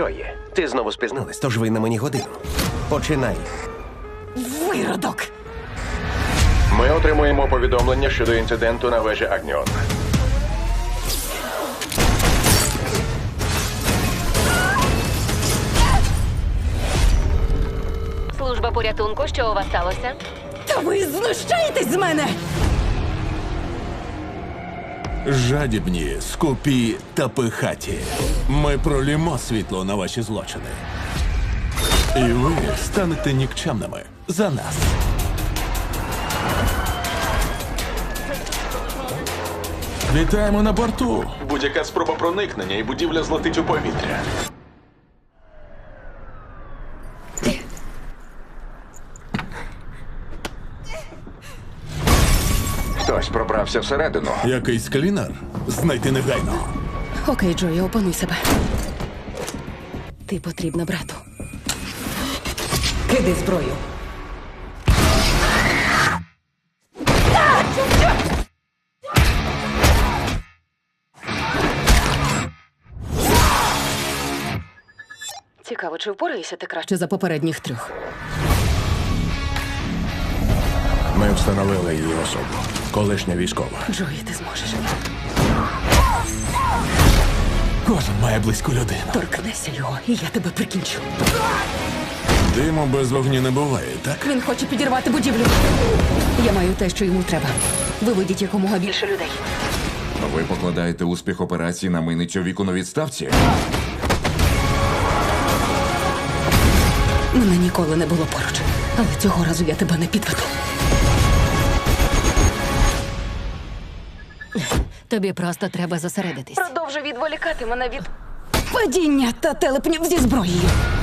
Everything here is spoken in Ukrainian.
Джої, ти знову спізнилась, тож ви на мені годину. Починай. Виродок! Ми отримуємо повідомлення щодо інциденту на вежі Агніон. Служба порятунку, що у вас сталося? Та ви знущаєтесь з мене! Жадібні, скупі та пихаті. Ми пролімо світло на ваші злочини. І ви станете нікчемними за нас. Вітаємо на борту. Будь-яка спроба проникнення і будівля злетить у повітря. Хтось пробрався всередину. Якийсь клінер? Знайти негайно. Окей, Джої, опануй себе. Ти потрібна брату. Кидай зброю. Цікаво, чи впораєшся ти краще за попередніх трьох? Ми встановили її особу. Колишня військова. Джої, ти зможеш. Кожен має близьку людину. Торкнешся його, і я тебе прикінчу. Диму без вогню не буває, так? Він хоче підірвати будівлю. Я маю те, що йому треба. Виведіть якомога більше людей. Ви покладаєте успіх операції на мийницю віку на відставці? Мене ніколи не було поруч. Але цього разу я тебе не підведу. Тобі просто треба зосередитись. Продовжуй відволікати мене від падіння та телепнів зі зброєю.